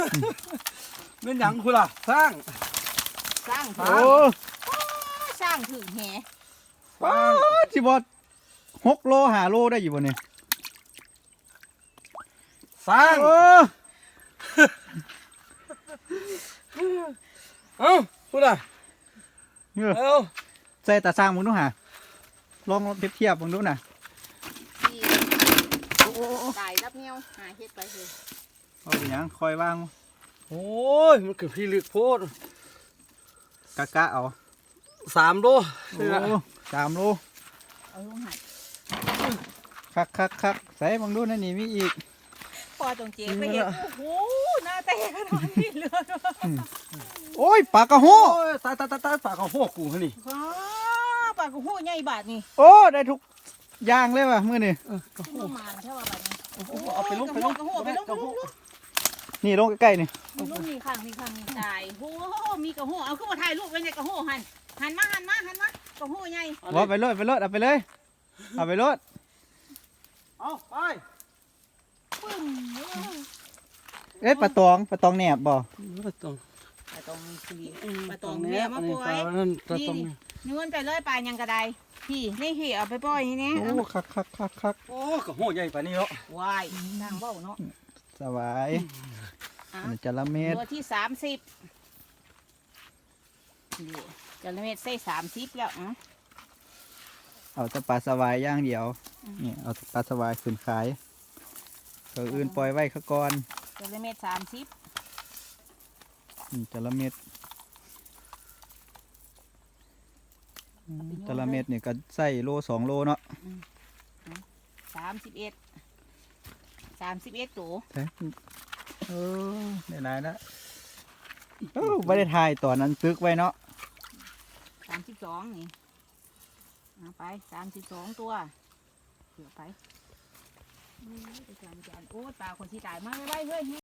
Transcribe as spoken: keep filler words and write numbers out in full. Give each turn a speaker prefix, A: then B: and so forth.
A: เป็นหยังคุณล่ะสร้าง
B: สร้าง
A: โอ้
B: สร้างถึงแห
C: ว้าจิบอดหกโลหาโลได้อยู่บนนี้
A: สร้าง
C: โอ้
A: เอ้าคุณล่ะ
C: เนี่ย
A: เอ้า
C: ใส่ตาสร้างมึงดูหาลองเปรียบเทียบมึงดูน่ะ
B: ที่ตายรับเงี้ยวหาเฮ็ดไปเลย
C: เอาไปหยังคอยวาง
A: โอ้ยมันคือพี่ลึกโพด
C: กะกะเอา
A: สามโล
C: โอ้สามโล
B: เอาลงหัด
C: คักคักคักใส่มึงดูนั่นนี่มีอีก
B: พอตรงเจ๊ไปเห็นโอ้โหหน้าแตกขนาดนี้เลย
C: โอ้ยปลากระโห
A: โอ้ยตายตายตายตายปากเขาหัวกูนี่
B: ว้าปากกูหูใหญ่บาทนี่
C: โอ้ได้ทุกอย่างเลยว่ะมื้อนี้
B: ประมาณเท่าว่าบาทนี่
A: เอาไปลงไปลง
B: กระหูไปลงไปลง
C: นี่ลงใกล้ๆนี่
B: ลูกมีข้างมีข้างมีตายโอ้มีกระหูเอาขึ้นมาถ่ายรูปไว้ในกระหูหันหันมาหันมาหันมากระหูใหญ่
C: ว่าไปรถไปรถเอาไปเลยเอาไปรถ
A: เอาไป
B: ปึ้ง
C: เอ๊ะปลาตองปลาตองแหนบบ่
A: ไม่ต้อง
B: ปลาตองสีปลาตองแม่มาปล่อย
A: นั่นปลาตอง
B: นี่นไปเลยปลายังกระไดพี่นี่พี่เอาไปปล่อยนี่
C: โอ้คักคักคักคัก
A: โอ้กระหัวใหญ่ปานนี้เนาะ
B: วายนางเบ้าเนาะ
C: สบายมันจะละเม็ด
B: ตัวที่สามสิบจะละเม็ดใส่สามสิบแล้วอ่ะ
C: เอาแต่ปลาสวายอย่างเดียวนี่เอาแต่ปลาสวายขึ้นขายตัวอื่นปล่อยไว้ข้าก่อน
B: จะละเม็ดสามสิบ
C: นี่จะละเม็ดจะละเม็ดนี่ก็ใส่โลสองโลเนาะ
B: สามสิบเอ็ดสามสิบเอ็ดตัว
C: เออได้หลายแล้วเอ้าไม่ได้ถ่ายตอนนั้นตึกไว้เนาะ
B: สามสิบสองนี่เอาไปสามสิบสองตัวเผื่อไปโอ้ยไปจานจานโอ้ยปลาคนที่ตายมาไว้เฮ้ย